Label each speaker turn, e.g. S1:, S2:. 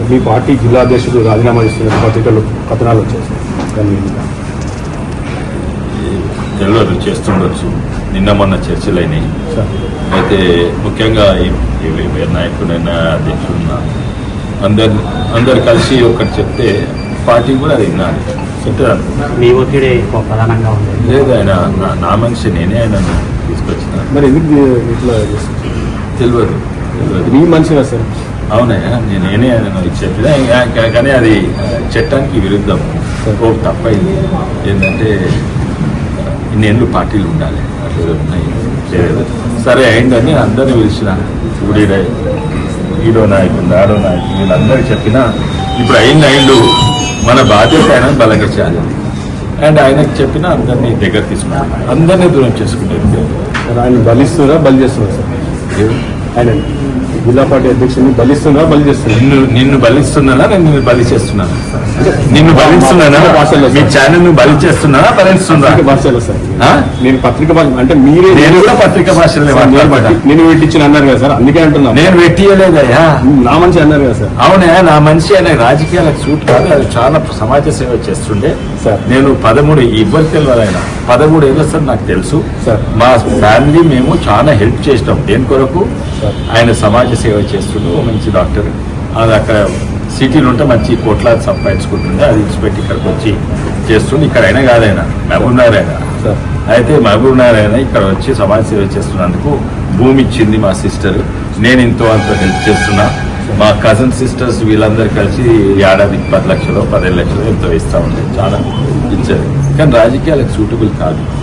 S1: మీ party జిల్లా అధ్యక్షుడు రాజీనామా చేస్తున్న పత్రికలు కథనాలు వచ్చాయి కానీ
S2: తెలియదు, చేస్తుండొచ్చు. నిన్న మొన్న చర్చలు అయినాయి. అయితే ముఖ్యంగా ఈ నాయకుడైనా అధ్యక్షుడున్నా అందరు కలిసి ఒకటి చెప్తే పార్టీ కూడా అది వినాలి.
S3: మీ ఒత్తిడి ప్రధానంగా ఉంది.
S2: లేదు, ఆయన నా మనిషి, నేనే ఆయనను తీసుకొచ్చిన.
S1: మరి ఎందుకు ఇట్లా
S2: తెలియదు
S1: మీ మనిషిగా సార్?
S2: అవునయ్యా, నేనే ఆయనను చెప్పిన, కానీ అది చట్టానికి విరుద్ధం. ఓ తప్పైంది. ఏంటంటే ఇన్నేళ్ళు పార్టీలు ఉండాలి, అట్లా ఉన్నాయి. సరే అయిందని అందరినీ పిలిచిన, ఈడో నాయకుడు ఆడో నాయకుడు వీళ్ళందరికీ చెప్పినా ఇప్పుడు అయిండు, మన బాధ్యత ఆయన బలగించాలి. అండ్ ఆయనకు చెప్పిన అందరినీ దగ్గర తీసుకున్నాను, అందరినీ దూరం చేసుకునేది.
S1: ఆయన బలిస్తున్నారా బలి చేస్తున్నారు సార్? ఆయన జిల్లా పార్టీ అధ్యక్షుడిని బలిస్తున్నారా బలి చేస్తున్నారు?
S2: నిన్ను బలిస్తున్నానా, నేను నిన్ను బలి చేస్తున్నాను? నిన్ను బలిస్తున్నానా? మీ ఛానల్ ను బలి చేస్తున్నానా, బలిస్తున్నా?
S1: భాషలో సార్ నేను పత్రిక భాష అంటే మీరే,
S2: నేను కూడా పత్రిక భాషలో
S1: నేను పెట్టించిన అన్నారు కదా సార్, అందుకే అంటున్నా.
S2: నేను పెట్టియలేదయ్యా,
S1: నా మనిషి అన్నారు కదా సార్.
S2: అవునా, నా మనిషి అనే రాజకీయాలకు సూట్ కాదు. అది చాలా సమాజ సేవ చేస్తుండే
S1: సార్.
S2: నేను 13 ఇవ్వరు తెలియదు, 13 ఏళ్ళ సార్ నాకు తెలుసు
S1: సార్.
S2: మా ఫ్యామిలీ మేము చాలా హెల్ప్ చేసినాం. దేని కొరకు? ఆయన సమాజ సేవ చేస్తుండే, మంచి డాక్టర్. అది అక్కడ సిటీలో ఉంటే మంచి కోట్లాది సంపాదించుకుంటుండే, అది ఇచ్చిపెట్టి ఇక్కడికి వచ్చి చేస్తుండే. ఇక్కడ అయినా కాదైనా మహబూబ్ నగర్ అయినా. అయితే మహబూబ్ నగర్ అయినా ఇక్కడ వచ్చి సమాజ సేవ చేస్తున్నందుకు భూమి ఇచ్చింది మా సిస్టర్. నేను ఇంతో అంత హెల్ప్ చేస్తున్నా. మా కజిన్ సిస్టర్స్ వీళ్ళందరూ కలిసి ఏడాదికి 10 లక్షలు 15 లక్షలు ఎంతో ఇస్తా ఉండే, చాలా ఇచ్చారు. కానీ రాజకీయాలకు సూటబుల్ కాదు.